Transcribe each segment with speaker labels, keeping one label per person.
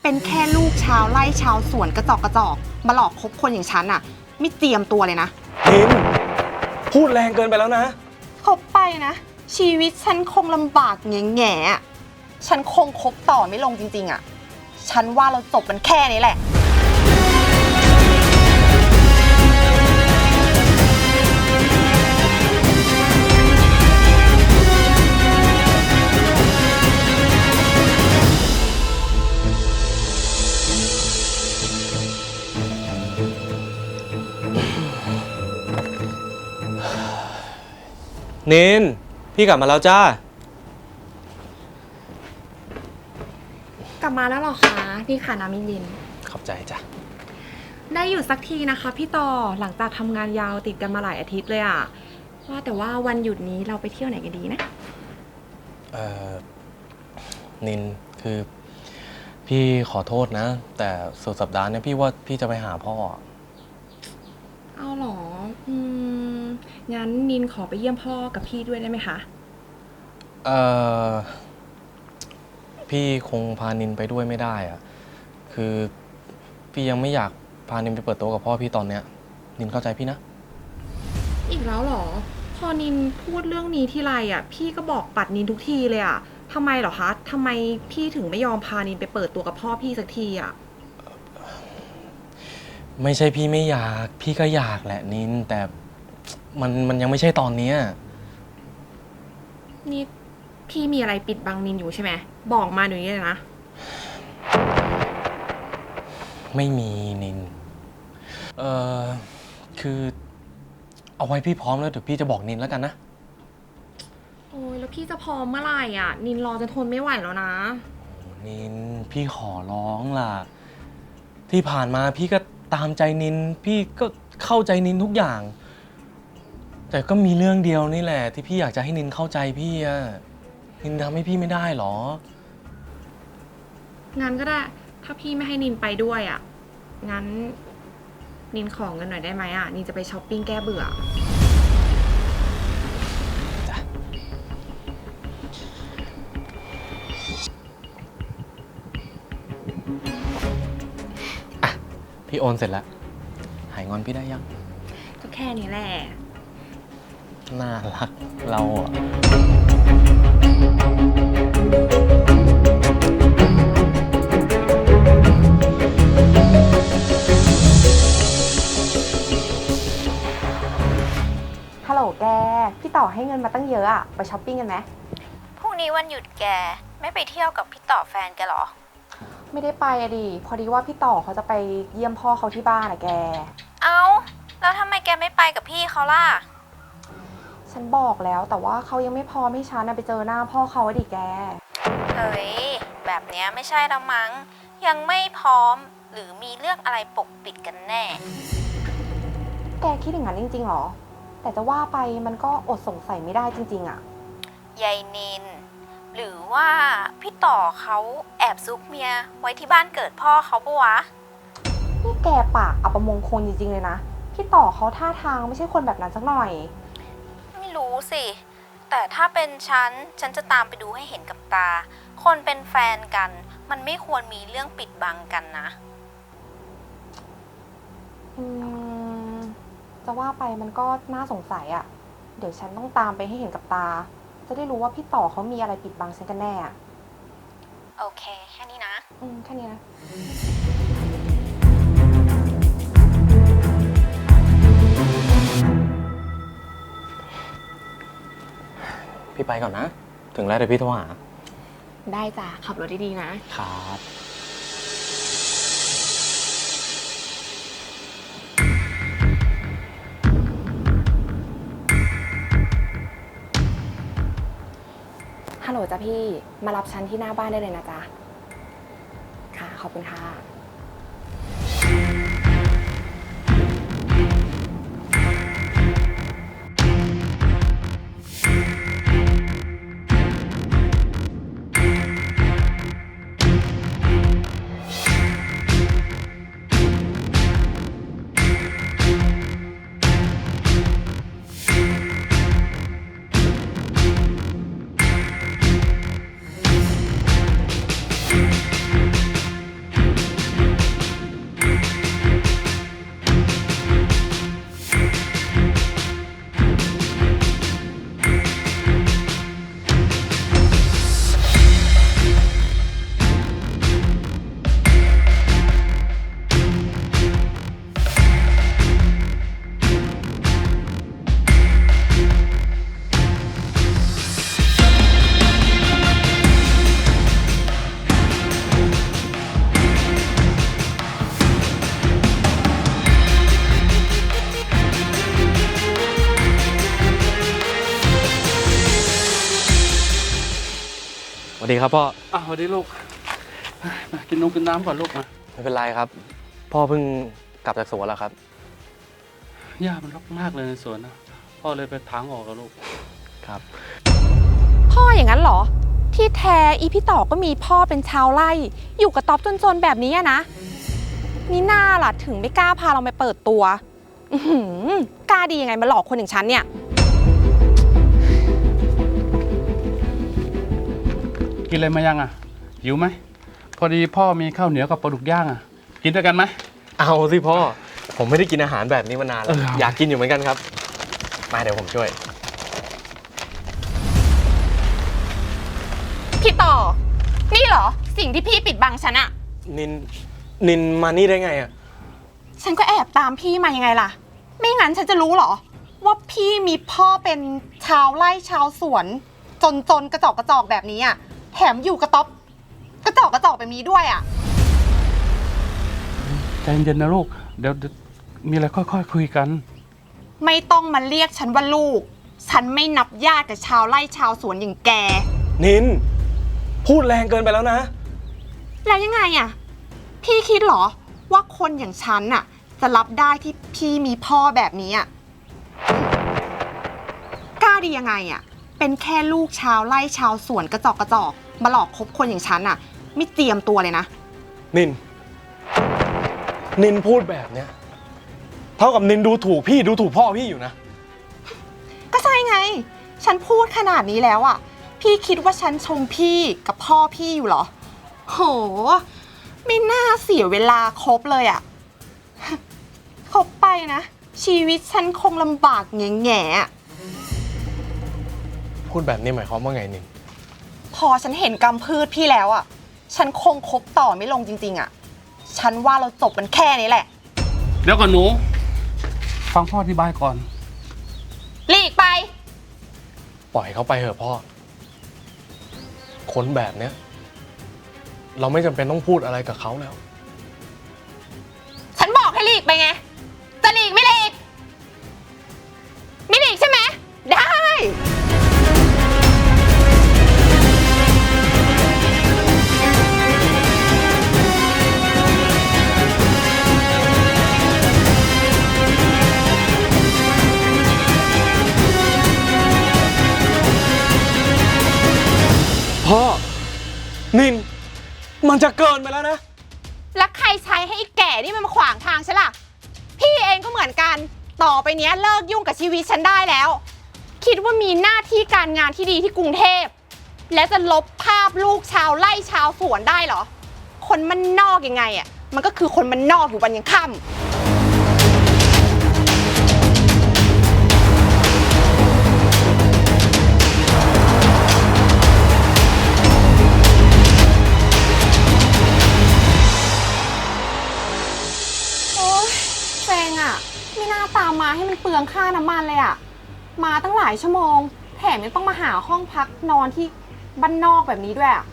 Speaker 1: เป็นแค่ลูกชาวไร่ชาวสวนกระจอกมาหลอกคบคนอย่างฉันอะไม่เตรียมตัวเลยนะ
Speaker 2: นินพูดแรงเกินไปแล้วนะ
Speaker 1: คบไปนะชีวิตฉันคงลำบากแง่ๆฉันคงคบต่อไม่ลงจริงๆอะฉันว่าเราจบมันแค่นี้แหละ
Speaker 2: นินพี่กลับมาแล้วจ้าก
Speaker 1: ลับมาแล้วหรอคะนี่ค่ะน้ำมิลิน
Speaker 2: ขอบใจจ้ะ
Speaker 1: ได้หยุดสักทีนะคะพี่ต่อหลังจากทำงานยาวติดกันมาหลายอาทิตย์เลยอะว่าแต่ว่าวันหยุดนี้เราไปเที่ยวไหนกันดีนะ
Speaker 2: นินคือพี่ขอโทษนะแต่สุดสัปดาห์นี้พี่ว่าพี่จะไปหาพ่อ
Speaker 1: เอาหรองั้นนินขอไปเยี่ยมพ่อกับพี่ด้วยได้ไหมคะ
Speaker 2: พี่คงพานินไปด้วยไม่ได้อะคือพี่ยังไม่อยากพานินไปเปิดโต๊ะกับพ่อพี่ตอนเนี้ยนินเข้าใจพี่นะ
Speaker 1: อีกแล้วหรอพอนินพูดเรื่องนี้ที่ไรอ่ะพี่ก็บอกปัดนินทุกทีเลยอ่ะทำไมหรอคะทำไมพี่ถึงไม่ยอมพานินไปเปิดตัวกับพ่อพี่สักทีอ่ะ
Speaker 2: ไม่ใช่พี่ไม่อยากพี่ก็อยากแหละนินแต่มันยังไม่ใช่ตอนนี้
Speaker 1: นี่พี่มีอะไรปิดบังนินอยู่ใช่ไหมบอกมาหน่อยเลยนะ
Speaker 2: ไม่มีนินคือเอาไว้พี่พร้อมแล้วเดี๋ยวพี่จะบอกนินแล้วกันนะ
Speaker 1: โอ้ยแล้วพี่จะพร้อมเมื่อไหร่อ่ะนินรอจะทนไม่ไหวแล้วนะ
Speaker 2: นินพี่ขอร้องล่ะที่ผ่านมาพี่ก็ตามใจนินพี่ก็เข้าใจนินทุกอย่างแต่ก็มีเรื่องเดียวนี่แหละที่พี่อยากจะให้นินเข้าใจพี่อะนินทำให้พี่ไม่ได้หรอ
Speaker 1: งั้นก็ได้ถ้าพี่ไม่ให้นินไปด้วยอ่ะงั้นนินขอเงินหน่อยได้ไหมอ่ะนินจะไปช้อปปิ้งแก้เบื่อ
Speaker 2: จ้ะอ่ะพี่โอนเสร็จแล้วหายงอนพี่ได้ยัง
Speaker 1: ก็แค่นี้แหละ
Speaker 2: น่ารักเราอะ
Speaker 1: ฮัลโหลแกพี่ต่อให้เงินมาตั้งเยอะอะไปช้อปปิ้งกันไหม
Speaker 3: พรุ่งนี้วันหยุดแกไม่ไปเที่ยวกับพี่ต่อแฟนแกเหรอ
Speaker 1: ไม่ได้ไปอะดิพอดีว่าพี่ต่อเขาจะไปเยี่ยมพ่อเขาที่บ้านอะแก
Speaker 3: เอ้าแล้วทำไมแกไม่ไปกับพี่เขาล่ะ
Speaker 1: ฉันบอกแล้วแต่ว่าเขายังไม่พร้อมให้ฉันไปเจอหน้าพ่อเขาอะดิแก
Speaker 3: เฮ้ยแบบเนี้ยไม่ใช่ละมั้งยังไม่พร้อมหรือมีเรื่องอะไรปกปิดกันแน่
Speaker 1: แกคิดอย่างนั้นจริงๆหรอแต่จะว่าไปมันก็อดสงสัยไม่ได้จริงๆอะ
Speaker 3: ยายนินหรือว่าพี่ต่อเขาแอบซุกเมียไว้ที่บ้านเกิดพ่อเขาปะวะ
Speaker 1: นี่แกปากอัปมงคลจริงๆเลยนะพี่ต่อเขาท่าทางไม่ใช่คนแบบนั้นสักหน่อย
Speaker 3: ไม่รู้สิแต่ถ้าเป็นฉันจะตามไปดูให้เห็นกับตาคนเป็นแฟนกันมันไม่ควรมีเรื่องปิดบังกันนะ
Speaker 1: จะว่าไปมันก็น่าสงสัยอะเดี๋ยวฉันต้องตามไปให้เห็นกับตาจะได้รู้ว่าพี่ต่อเขามีอะไรปิดบังฉันกันแน่
Speaker 3: โอเคแค่นี้นะ
Speaker 1: แค่นี้นะ
Speaker 2: พี่ไปก่อนนะถึงแล้วเดี๋ยวพี่โทรหา
Speaker 1: ได้จ้ะขับรถดีๆ
Speaker 2: นะครับ
Speaker 1: ฮัลโหลจ้ะพี่มารับฉันที่หน้าบ้านได้เลยนะจ๊ะค่ะขอบคุณค่ะ
Speaker 2: ดีครับพ่อ
Speaker 4: สวัสดีลูกมากินนมกินน้ำก่อนลูกมา
Speaker 2: ไม่เป็นไรครับ พ่อเพิ่งกลับจากสวนแล้วครับ
Speaker 4: หญ้ามันรกมากเลยในสวนนะพ่อเลยไปถางออกกับลูก
Speaker 2: ครับ
Speaker 1: พ่ออย่างนั้นเหรอ ที่แท้อีพี่ต่อก็มีพ่อเป็นชาวไร่ อยู่กับต๊อบจนๆแบบนี้อะนะนี่น่าล่ะถึงไม่กล้าพาเราไปเปิดตัวกล้าดียังไงมาหลอกคนอย่างฉันเนี่ย
Speaker 4: กินอะไรมายังอ่ะหิวไหมพอดีพ่อมีข้าวเหนียวกับปลาดุกย่างอ่ะกินด้วยกันไหม
Speaker 2: เอาสิพ่อ ผมไม่ได้กินอาหารแบบนี้มานานแล้ว อยากกินอยู่เหมือนกันครับ มาเดี๋ยวผมช่วย
Speaker 1: พี่ต่อ นี่เหรอ สิ่งที่พี่ปิดบังฉันอะ
Speaker 2: นินมานี่ได้ไงอะ
Speaker 1: ฉันก็แอบตามพี่มายังไงล่ะ ไม่งั้นฉันจะรู้เหรอ ว่าพี่มีพ่อเป็นชาวไร่ชาวสวน จนกระจอกแบบนี้อะแถมอยู่กระต๊อบกระจอกแบบนี้ด้วยอะ
Speaker 4: ใจเย็นๆนะลูกเดี๋ยวมีอะไรค่อยๆคุยกัน
Speaker 1: ไม่ต้องมาเรียกฉันว่าลูก ฉันไม่นับญาติกับชาวไร่ชาวสวนอย่างแก
Speaker 2: นิน พูดแรงเกินไปแล้วนะ
Speaker 1: แล้วยังไงอะพี่คิดเหรอว่าคนอย่างฉันอะจะรับได้ที่พี่มีพ่อแบบนี้อะกล้าดียังไงอะเป็นแค่ลูกชาวไร่ชาวสวนกระจอกมาหลอกคบคนอย่างฉันอะไม่เจียมตัวเลยนะ
Speaker 2: นินพูดแบบเนี้ยเท่ากับนินดูถูกพี่ดูถูกพ่อพี่อยู่นะ
Speaker 1: ก็ใช่ไง ฉันพูดขนาดนี้แล้วอะพี่คิดว่าฉันชมพี่กับพ่อพี่อยู่เหรอโหไม่น่าเสียเวลาคบเลยอะ คบไปนะ ชีวิตฉันคงลำบากแง่ๆอะ
Speaker 2: พูดแบบนี้หมายความว่าไงนิน
Speaker 1: พอฉันเห็นกำพืชพี่แล้วอะฉันคงคบต่อไม่ลงจริงๆอะฉันว่าเราจบกันแค่นี้แหละ
Speaker 4: เดี๋ยวก่อนหนูฟังพ่ออธิบายก่อน
Speaker 1: หลีกไป
Speaker 2: ปล่อยเขาไปเถอะพ่อ คนแบบเนี้ยเราไม่จำเป็นต้องพูดอะไรกับเขาแล้ว
Speaker 1: ฉันบอกให้หลีกไปไง จะหลีกไม่หลีก ไม่หลีกใช่ไหม ได้
Speaker 2: พ่อ นิน มันจะเกินไปแล้วนะ
Speaker 1: แล้วใครใช้ให้ไอ้แก่นี่มันมาขวางทางฉันล่ะ พี่เองก็เหมือนกัน ต่อไปเนี้ยเลิกยุ่งกับชีวิตฉันได้แล้ว คิดว่ามีหน้าที่การงานที่ดีที่กรุงเทพ และจะลบภาพลูกชาวไร่ชาวสวนได้เหรอ คนมันนอกยังไงอ่ะ มันก็คือคนมันนอกอยู่วันยังค่ำเซ็งอ่ะไม่น่าตามมาให้มันเปลืองค่าน้ำมันเลยอ่ะ มาตั้งหลายชั่วโมง แถมยังต้องมาหาห้องพักนอนที่บ้านนอกแบบนี้ด้วยอ่ะ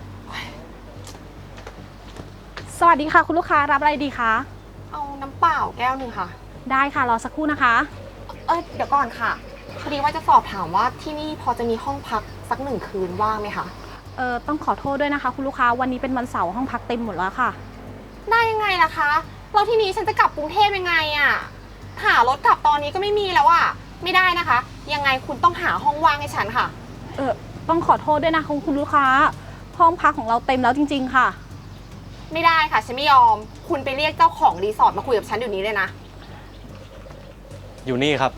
Speaker 5: สวัสดีค่ะคุณลูกค้ารับอะไรดีคะ
Speaker 1: เอาน้ำเปล่าแก้วหนึ่งค่ะ
Speaker 5: ได้ค่ะรอสักครู่นะคะ
Speaker 1: เดี๋ยวก่อนค่ะ พอดีว่าจะสอบถามว่าที่นี่พอจะมีห้องพักสัก1 คืนว่างไหมคะ
Speaker 5: ต้องขอโทษด้วยนะคะคุณลูกค้าวันนี้เป็นวันเสาร์ห้องพักเต็มหมดแล้วค่ะ
Speaker 1: ได้ยังไงล่ะคะแล้วที่นี้ฉันจะกลับกรุงเทพยังไงอ่ะหารถกลับตอนนี้ก็ไม่มีแล้วอ่ะไม่ได้นะคะ ยังไงคุณต้องหาห้องว่างให้ฉันค่ะ
Speaker 5: ต้องขอโทษด้วยนะคะคุณลูกค้าห้องพักของเราเต็มแล้วจริงๆค่ะ
Speaker 1: ไม่ได้ค่ะฉันไม่ยอม คุณไปเรียกเจ้าของรีสอร์ทมาคุยกับฉันเดี๋ยวนี้เลยนะ
Speaker 2: อยู่นี่ครับ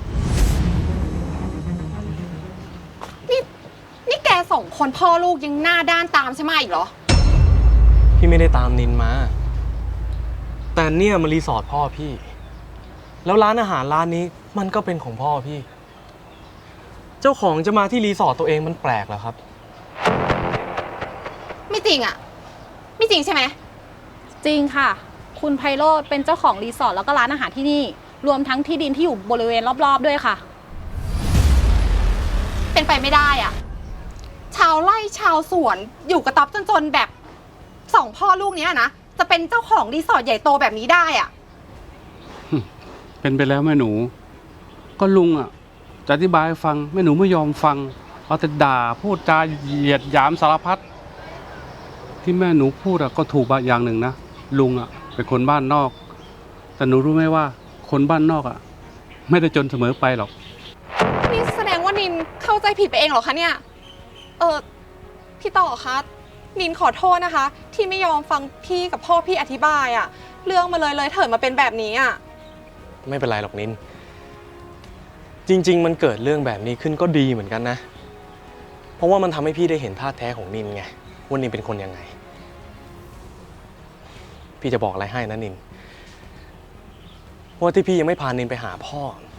Speaker 1: นี่แก2 คนพ่อลูกยังหน้าด้านตามใช่ไหมอีกเหรอ
Speaker 2: พี่ไม่ได้ตามนินมา แต่เนี่ยมันรีสอร์ทพ่อพี่ แล้วร้านอาหารร้านนี้มันก็เป็นของพ่อพี่ เจ้าของจะมาที่รีสอร์ทตัวเองมันแปลกเหรอครับ
Speaker 1: ไม่จริงอ่ะไม่จริงใช่ไหม
Speaker 5: จริงค่ะ คุณไพโรจน์เป็นเจ้าของรีสอร์ทแล้วก็ร้านอาหารที่นี่ รวมทั้งที่ดินที่อยู่บริเวณรอบๆด้วยค่ะ
Speaker 1: เป็นไปไม่ได้อ่ะชาวไร่ชาวสวนอยู่กระต๊อบจนๆแบบ2 พ่อลูกเนี้ยนะจะเป็นเจ้าของรีสอร์ทใหญ่โตแบบนี้ได้อ่ะ
Speaker 4: เป็นไปแล้วแม่หนู ก็ลุงอ่ะจะอธิบายให้ฟังแม่หนูไม่ยอมฟังเอาแต่ด่าพูดจาเหยียดหยามสารพัดที่แม่หนูพูดอะก็ถูกบางอย่างหนึ่งนะลุงอะเป็นคนบ้านนอก แต่หนูรู้ไหมว่าคนบ้านนอกอะไม่ได้จนเสมอไปหรอก
Speaker 1: นี่แสดงว่านินเข้าใจผิดไปเองเหรอคะเนี่ย พี่ต่อคะนินขอโทษนะคะ ที่ไม่ยอมฟังพี่กับพ่อพี่อธิบายอะเรื่องมาเลยเถิดมาเป็นแบบนี้อะ
Speaker 2: ไม่เป็นไรหรอกนิน จริง ๆ มันเกิดเรื่องแบบนี้ขึ้นก็ดีเหมือนกันนะ เพราะว่ามันทำให้พี่ได้เห็นท่าแท้ของนินไงว่านินเป็นคนยังไง พี่จะบอกอะไรให้นะนินว่าที่พี่ยังไม่พานินไปหาพ่อ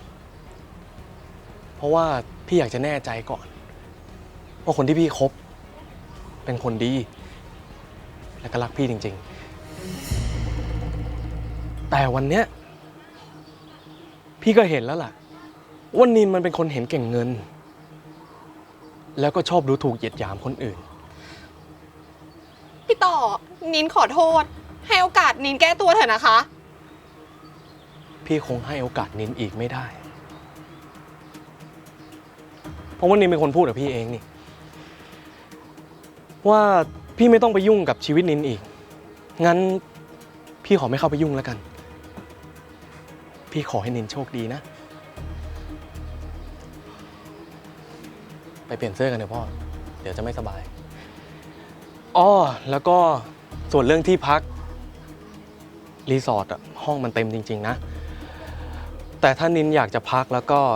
Speaker 2: เพราะว่าพี่อยากจะแน่ใจก่อนว่าคนที่พี่คบเป็นคนดีและก็รักพี่จริง ๆ แต่วันเนี้ยพี่ก็เห็นแล้วล่ะว่านินมันเป็นคนเห็นเก่งเงิน แล้วก็ชอบดูถูกเหยียดหยามคนอื่น
Speaker 1: พี่ต่อนินขอโทษ ให้โอกาสนินแก้ตัวเถอะนะคะ
Speaker 2: พี่คงให้โอกาสนินอีกไม่ได้ เพราะว่านินเป็นคนพูดกับพี่เองนี่ว่าพี่ไม่ต้องไปยุ่งกับชีวิตนินอีก งั้นพี่ขอไม่เข้าไปยุ่งแล้วกัน พี่ขอให้นินโชคดีนะ ไปเปลี่ยนเสื้อกันเถอะพ่อ เดี๋ยวจะไม่สบาย อ้อแล้วก็ส่วนเรื่องที่พักรีสอร์ทอะห้องมันเต็มจริงๆนะ แต่ถ้านินอยากจะพักแล้วก็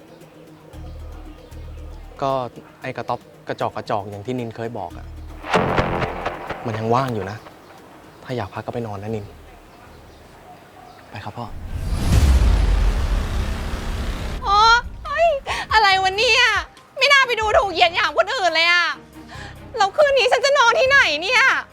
Speaker 2: ไอ้กระต๊อบกระจอกอย่างที่นินเคยบอกอะมันยังว่างอยู่นะ ถ้าอยากพักก็ไปนอนนะนิน ไปครับพ่อ
Speaker 1: อ๋อเฮ้ยอะไรวะเนี่ย ไม่น่าไปดูถูกเหยียดหยามคนอื่นเลยอะแล้วคืนนี้ฉันจะนอนที่ไหนเนี่ย